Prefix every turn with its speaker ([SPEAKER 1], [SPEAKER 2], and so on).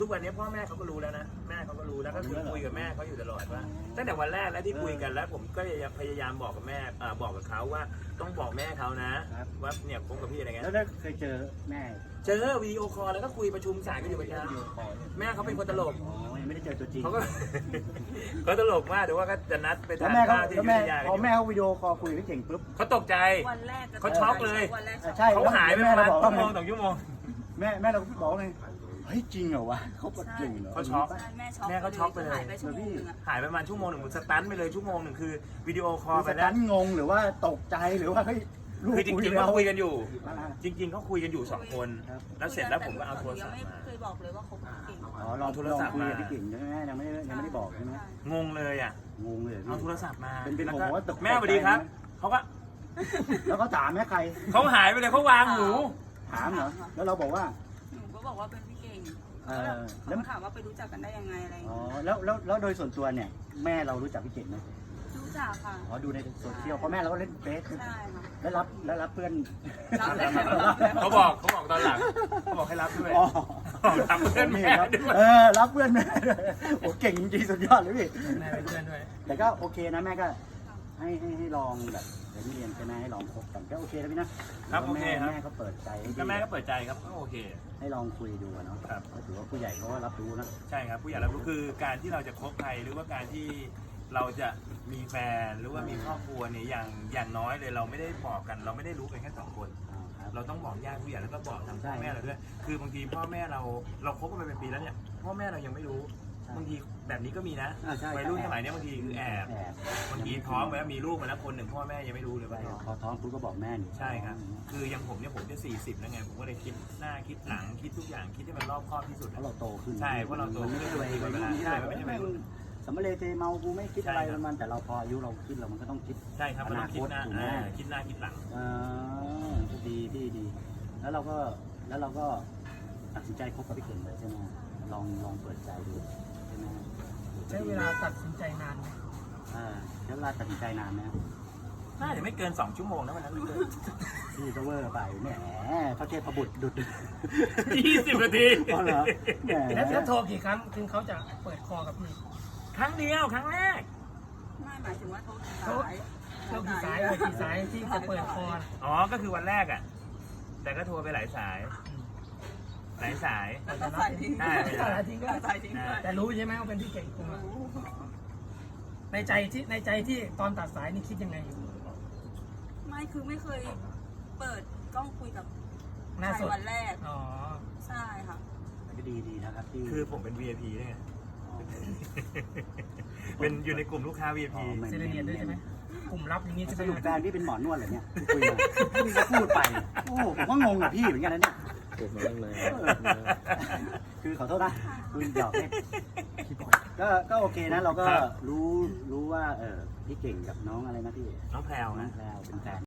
[SPEAKER 1] ทุกวันนี้พ่อแม่เขาก็รู้แล้วนะแม่เขาก็รู้แล้วก็คุยกับแม่เขาอยู่ตลอดว่าตั้งแต่วันแรกแล้วที่คุยกันแล้วผมก็พยายามบอกกับแม่บอกกับเขาว่าต้องบอกแม่เขานะว่าเนี่ยคบกับพี่อะไรเงี้ย
[SPEAKER 2] แล้วเคยเจอแม่
[SPEAKER 1] เจอวิดีโอคอลแล้วก็คุยประชุมสายกันอยู่ประจำแม่เขาเป็นคนตลก
[SPEAKER 2] ยังไม่ได้เจอตัวจริง
[SPEAKER 1] เขาก็เขาตลกมากเดี๋ยวว่าก็จะนัดไปทานข้าวที่ยุธยา
[SPEAKER 2] พอแม่เขาวิดีโอคอลคุยกับเก่งปุ๊บ
[SPEAKER 1] เขาตกใจ
[SPEAKER 3] วันแรก
[SPEAKER 1] เขาช็อกเลย
[SPEAKER 2] ใช่
[SPEAKER 1] เขาหายไปประมาณชั่วโมง2 ชั่วโมง
[SPEAKER 2] แม่เราบอกไงเฮ้ยจริงเหรอวะเขาปวดเก่งเหรอ
[SPEAKER 1] เขาช็อก
[SPEAKER 3] แม่
[SPEAKER 1] เขาช็อกไปเลยหายไปประมาณชั่วโมงหนึ่งสตันไปเลยชั่วโมงหนึ่งคือวิดีโอคอลไปแล้ว
[SPEAKER 2] งงหรือว่าตกใจหรือว่าเฮ้ย
[SPEAKER 1] คือจริงๆเขาคุยกันอยู่จริงๆเขาคุยกันอยู่2 คนแล้วเสร็จแล้วผมก็เอาโทรศัพท์มา
[SPEAKER 3] เคยบอกเลยว่าเขาเก่ง
[SPEAKER 2] อ๋อลองโทรศัพท์คุยกับพี่เก่งใช่ไหมยังไม่ได้บอกใช่ไหม
[SPEAKER 1] งงเลยอ่ะ
[SPEAKER 2] งงเลย
[SPEAKER 1] เอาโทรศัพท์มา
[SPEAKER 2] เป็นผมว่าตก
[SPEAKER 1] แม่สวัสดีครับเขาก็
[SPEAKER 2] แล้วก็ถามแม่ใคร
[SPEAKER 1] เขาหายไปเลยเขาวางหู
[SPEAKER 2] ถามเหรอแล้วเราบอกว่า
[SPEAKER 3] หนูก็บอกว่าเป็นพี่เก่งแล้วถามว่าไปรู้จักกันได้ยังไงอะไร
[SPEAKER 2] อ๋อแล้วโดยส่วนตัวเนี่ยแม่เรารู้จักพี่เก่งไหม
[SPEAKER 3] รู้จักค่ะ
[SPEAKER 2] อ๋อดูในโซเชียลเพราะแม่เราก็เล่นเฟซ
[SPEAKER 3] ใช่ค่ะ
[SPEAKER 2] แล้วรับเพื่อน
[SPEAKER 1] เขาบอกตอนหลังเขาบอกให้รับด้วยรับเพื่อนแม่ด้วย
[SPEAKER 2] รับเพื่อนแม่โอ้เก่งจริงสุดยอดเลยพี่
[SPEAKER 1] แม่เป็นเพื่อนด้วย
[SPEAKER 2] แต่ก็โอเคนะแม่ก็ให้ลองแบบเรียนใช่ไหมให้ลองคบกันก็โอเคนะพี่นะครับโอเคครับแม่ก็เปิดใจ
[SPEAKER 1] แม่ก็เปิดใจครับก็โอเค
[SPEAKER 2] ให้ลองคุยดูเนาะครับก็ถือว่าผู้ใหญ่เขาก็รับรู้นะ
[SPEAKER 1] ใช่ครับผู้ใหญ่รับรู้คือการที่เราจะคบใครหรือว่าการที่เราจะมีแฟนหรือว่ามีครอบครัวเนี่ยอย่างน้อยเลยเราไม่ได้บอกกันเราไม่ได้รู้กันแค่2 คนเราต้องบอกญาติผู้ใหญ่แล้วก็บอกทางพ่อแม่เราด้วยคือบางทีพ่อแม่เราคบกันมาเป็นปีแล้วเนี่ยพ่อแม่เรายังไม่รู้บางทีแบบนี้ก็มีนะวัยรุ่นสมัยนี้บางทีคือแอบบางทีท้องไปแล้วมีลูกมาแล้วคนหนึ่งพ่อแม่ยังไม่รู้เลยว่า
[SPEAKER 2] พอท้องปุ๊บก็บอกแม่
[SPEAKER 1] ใช่ครับคืออย่างผมเนี่ยผมจะ40แล้วไงผมก็เลยคิดหน้าคิดหลังคิดทุกอย่างคิดให้มันรอบคอบที่สุด
[SPEAKER 2] เพราะเราโตขึ้น
[SPEAKER 1] ใช่เพราะเราโตขึ้นด้วยเวลาใช่ไม่ใช่ไม่
[SPEAKER 2] สำเร็จเมากูไม่คิดอะไรมันแต่เราพออายุเราคิดมันก็ต้องคิด
[SPEAKER 1] ใช่ครับมันต้องคิดหน้าคิดหน้าคิดหลัง
[SPEAKER 2] ดีแล้วเราก็ตัดสินใจคบกับพี่เก่งเลยใช่ไหมลองเปิดใจดูใช่ไหม
[SPEAKER 4] ใช้เวลาตัดสินใจนานไหม
[SPEAKER 2] ใช้เวลาตัดสินใจนานไหม
[SPEAKER 1] น่าจะไม่เกิน2 ชั่วโมงนะวันนั้น
[SPEAKER 2] พี่ก็เวอร์ไปแหมพระเทพบุตรดุด
[SPEAKER 1] 20 นาที
[SPEAKER 2] อ๋อเหรอ
[SPEAKER 4] แล้วโทรกี่ครั้งถึงเขาจะเปิดคอกับพี่
[SPEAKER 1] ครั้งเดียวครั้งแรก
[SPEAKER 3] ไม่หมายถึงว่าโทร
[SPEAKER 4] กี่สายที่จะเปิดคอ
[SPEAKER 1] อ๋อก็คือวันแรกอ่ะแต่ก็โทรไปหลายสาย
[SPEAKER 4] แต่รู้ใช่ไหมว่าเป็นพี่เก่งกูในใจที่ตอนตัดสายนี่คิดยังไงอยู่
[SPEAKER 3] ไม่คือไม่เคยเปิดกล้องคุยกับใครวันแรก
[SPEAKER 4] อ๋อ
[SPEAKER 3] ใช่ค่ะ
[SPEAKER 2] ก็ดีนะครับที่
[SPEAKER 1] คือผมเป็น VIP ด้วยไงเป็นอยู่ในกลุ่มลูกค้า VIP
[SPEAKER 4] เซเลเนียด้วยใช่ไหมกลุ่มลับอย่างนี้
[SPEAKER 2] สรุปแฟนพี่เป็นหมอนวดเหรอเนี่ยคุยมาพี่ก็พูดไปโอ้ผมก็งงกับพี่เหมือนกันนะเนี่ยคือขอโทษนะคุณหยอกเล่นก็โอเคนะเราก็รู้ว่าพี่เก่งกับน้องอะไรนะพี่
[SPEAKER 1] น้องแพรวนะ
[SPEAKER 2] เป็นแฟน